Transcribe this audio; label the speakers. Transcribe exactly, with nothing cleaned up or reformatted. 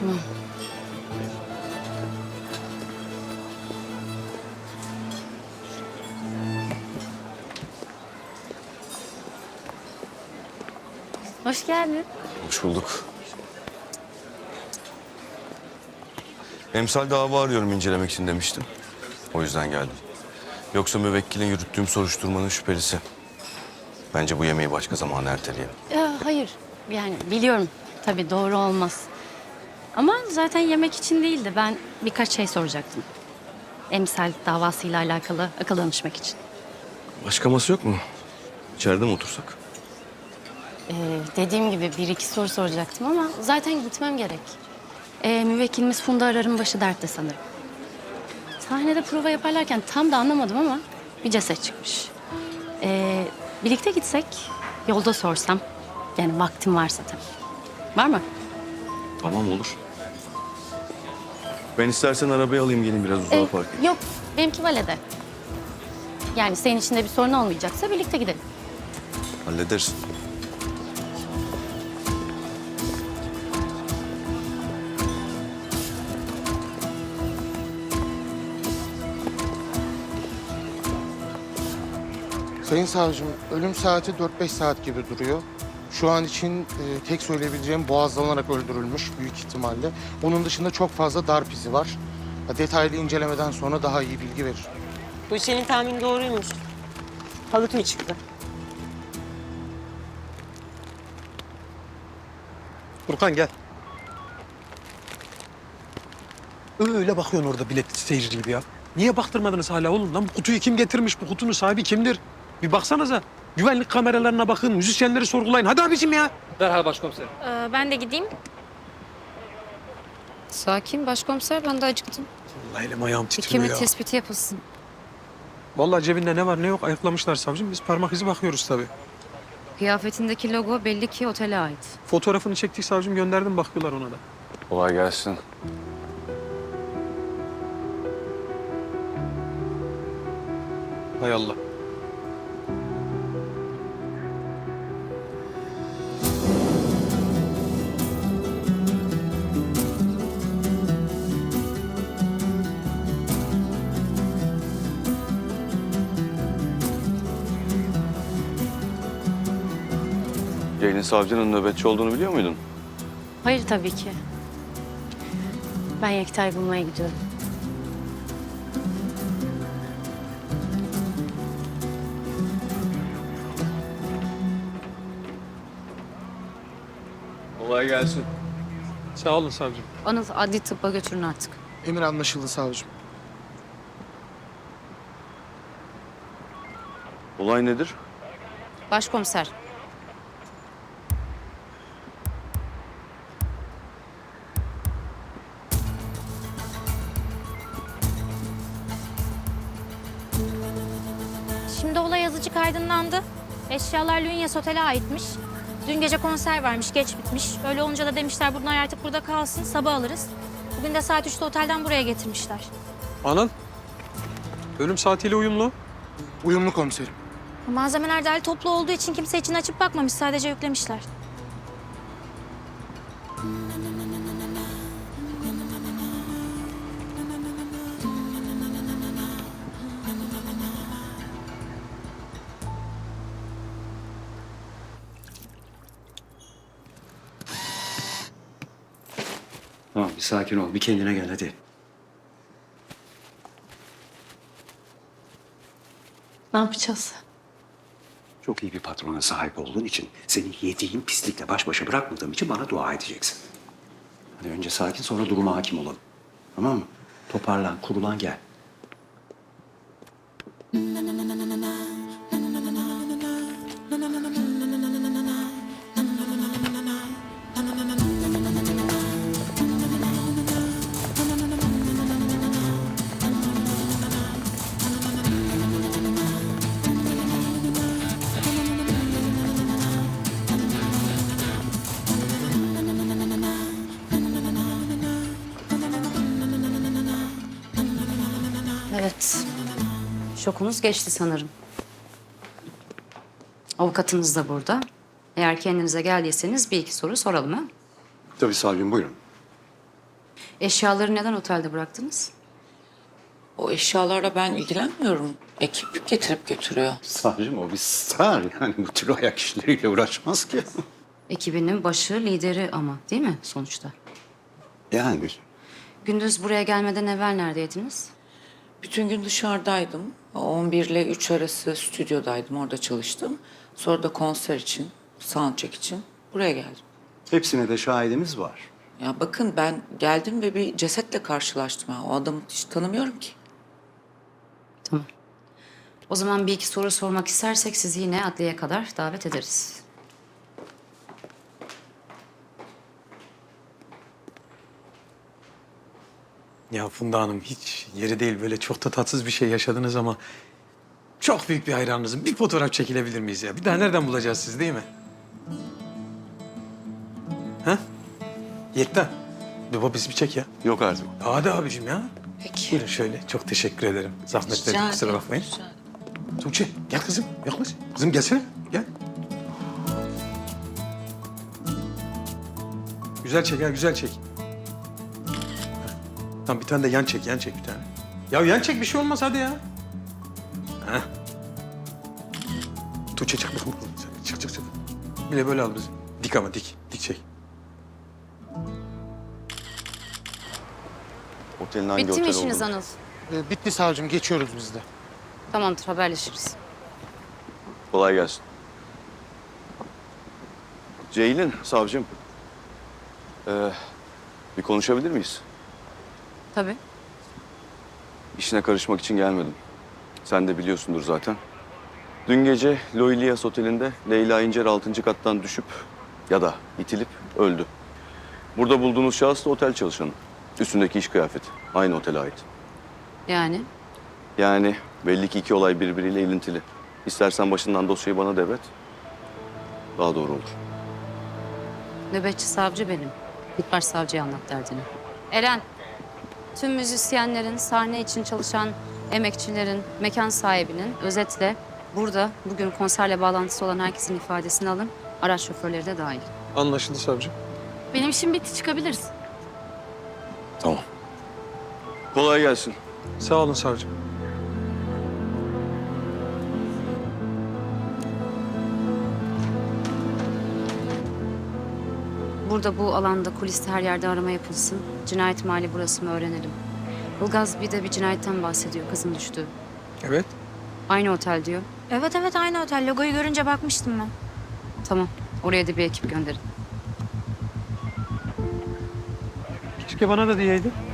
Speaker 1: Tamam. Hoş geldin.
Speaker 2: Hoş bulduk. Emsal dava arıyorum incelemek için demiştim. O yüzden geldim. Yoksa müvekkilin yürüttüğüm soruşturmanın şüphelisi. Bence bu yemeği başka zaman erteleyelim.
Speaker 1: Ya, hayır. Yani biliyorum. Tabii doğru olmaz. Ama zaten yemek için değildi. Ben birkaç şey soracaktım. Emsal davasıyla alakalı akıl danışmak için.
Speaker 2: Başka masa yok mu? İçeride mi otursak?
Speaker 1: Ee, dediğim gibi bir iki soru soracaktım ama zaten gitmem gerek. Ee, müvekkilimiz Funda Arar'ın başı dertte sanırım. Sahnede prova yaparlarken tam da anlamadım ama bir ceset çıkmış. Ee, birlikte gitsek, yolda sorsam. Yani vaktim varsa tabii. Var mı?
Speaker 2: Tamam olur. Ben istersen arabayı alayım gelin biraz uzağa
Speaker 1: Ee,
Speaker 2: park edeyim.
Speaker 1: yok, benimki valede. Yani senin için de bir sorun olmayacaksa birlikte gidelim.
Speaker 2: Hallederiz.
Speaker 3: Sayın savcım, ölüm saati dört beş saat gibi duruyor. Şu an için e, tek söyleyebileceğim boğazlanarak öldürülmüş büyük ihtimalle. Onun dışında çok fazla darp izi var. Ya, detaylı incelemeden sonra daha iyi bilgi verir.
Speaker 4: Bu senin tahmin doğruymuş. Halık mı çıktı?
Speaker 5: Furkan gel. Öyle bakıyorsun orada bilet seyirci gibi ya. Niye baktırmadınız hala oğlum? Lan bu kutuyu kim getirmiş? Bu kutunun sahibi kimdir? Bir baksanıza. Güvenlik kameralarına bakın, müzisyenleri sorgulayın. Hadi abicim ya.
Speaker 6: Derhal başkomiserim.
Speaker 7: Ee, ben de gideyim.
Speaker 8: Sakin başkomiser, ben de acıktım.
Speaker 5: Vallahi elim ayağım
Speaker 8: Bir
Speaker 5: titriyor
Speaker 8: kimlik
Speaker 5: ya.
Speaker 8: tespiti yapılsın.
Speaker 5: Vallahi cebinde ne var ne yok ayıklamışlar savcım. Biz parmak izi bakıyoruz tabii.
Speaker 8: Kıyafetindeki logo belli ki otele ait.
Speaker 5: Fotoğrafını çektik savcım, gönderdim, bakıyorlar ona da.
Speaker 2: Kolay gelsin.
Speaker 5: Hay Allah.
Speaker 2: Ceylin savcının nöbetçi olduğunu biliyor muydun?
Speaker 1: Hayır tabii ki. Ben Yekta'yı bulmaya gidiyorum.
Speaker 2: Kolay gelsin.
Speaker 5: Sağ olun savcım.
Speaker 8: Anıl, adli tıbba götürün artık.
Speaker 3: Emir anlaşıldı savcım.
Speaker 2: Olay nedir?
Speaker 8: Başkomiser,
Speaker 7: Şimdi olay yazıcık aydınlandı. Eşyalar Lünyas Otel'e aitmiş. Dün gece konser varmış, geç bitmiş. Öyle olunca da demişler bunlar artık burada kalsın, sabah alırız. Bugün de saat üçte otelden buraya getirmişler.
Speaker 5: Anıl. Ölüm saatiyle uyumlu.
Speaker 3: Uyumlu komiserim.
Speaker 7: Malzemeler derli toplu olduğu için kimse için açıp bakmamış, sadece yüklemişler.
Speaker 9: Tamam, bir sakin ol. Bir kendine gel hadi.
Speaker 1: Ne yapacağız?
Speaker 9: Çok iyi bir patrona sahip olduğun için, seni yediğin pislikle baş başa bırakmadığım için bana dua edeceksin. Hadi önce sakin, sonra duruma hakim olalım. Tamam mı? Toparlan, kurulan gel.
Speaker 8: evet. Şokunuz geçti sanırım. Avukatınız da burada. Eğer kendinize geldiyseniz bir iki soru soralım ha?
Speaker 9: Tabii savcım, buyurun.
Speaker 8: Eşyaları neden otelde bıraktınız?
Speaker 6: O eşyalarla ben ilgilenmiyorum. Ekip getirip götürüyor.
Speaker 9: Savcım o bir star yani bu tür ayak işleriyle uğraşmaz ki.
Speaker 8: Ekibinin başı, lideri ama değil mi sonuçta?
Speaker 9: Yani
Speaker 8: Gündüz buraya gelmeden evvel neredeydiniz?
Speaker 6: Bütün gün dışarıdaydım. on bir ile üç arası stüdyodaydım. Orada çalıştım. Sonra da konser için, soundcheck için buraya geldim.
Speaker 9: hepsine de şahidimiz var.
Speaker 6: Ya bakın ben geldim ve bir cesetle karşılaştım. Ha. O adamı hiç tanımıyorum ki.
Speaker 8: Tamam. O zaman bir iki soru sormak istersek sizi yine adliyeye kadar davet ederiz.
Speaker 5: Ya Funda Hanım hiç yeri değil, böyle çok da tatsız bir şey yaşadınız ama çok büyük bir hayranınızım. Bir fotoğraf çekilebilir miyiz ya? Bir daha nereden bulacağız siz, değil mi? Ha? Yekta. Baba bizi bir çek ya.
Speaker 2: Yok artık.
Speaker 5: Hadi abicim ya.
Speaker 6: Peki.
Speaker 5: Buyurun şöyle. Çok teşekkür ederim. Zahmet verdim, kusura bakmayın. Tuğçe gel kızım, yaklaş. Kızım gelsene, gel. Güzel çek ha, güzel çek. Tamam bir tane de yan çek, yan çek bir tane. Ya yan çek, bir şey olmaz hadi ya. Heh. Tuğçe çık bakalım. Çık çık çık. Bir de böyle al bizi. Dik ama dik, dik çek.
Speaker 2: Otelin hangi
Speaker 8: Bitti mi
Speaker 2: otel
Speaker 8: işiniz
Speaker 2: olduğunu-
Speaker 8: Anıl?
Speaker 3: Ee, bitti savcım, geçiyoruz biz de.
Speaker 8: Tamamdır, haberleşiriz.
Speaker 2: Kolay gelsin. Ceylin, savcım. Ee, bir konuşabilir miyiz?
Speaker 8: Tabii.
Speaker 2: İşine karışmak için gelmedim. Sen de biliyorsundur zaten. Dün gece Loilias Oteli'nde Leyla İncer altıncı kattan düşüp ya da itilip öldü. Burada bulduğunuz şahıs da otel çalışanı. Üstündeki iş kıyafeti. Aynı otele ait.
Speaker 8: Yani
Speaker 2: Yani belli ki iki olay birbiriyle ilintili. İstersen başından dosyayı bana devret. Daha doğru olur.
Speaker 8: nöbetçi savcı benim. Git baş savcıya anlat derdini. Eren, tüm müzisyenlerin, sahne için çalışan emekçilerin, mekan sahibinin özetle burada bugün konserle bağlantısı olan herkesin ifadesini alın. Araç şoförleri de dahil.
Speaker 5: Anlaşıldı savcım.
Speaker 1: Benim işim bitti, çıkabiliriz.
Speaker 2: Tamam. Kolay gelsin.
Speaker 5: Sağ olun savcım.
Speaker 8: Burada bu alanda, kuliste her yerde arama yapılsın. Cinayet mahalli burası mı öğrenelim. Ilgaz bir de bir cinayetten bahsediyor, kızın düştüğü.
Speaker 5: Evet.
Speaker 8: Aynı otel diyor.
Speaker 7: Evet evet aynı otel. Logoyu görünce bakmıştım ben.
Speaker 8: Tamam, oraya da bir ekip gönderin.
Speaker 5: Keşke bana da diyeydin.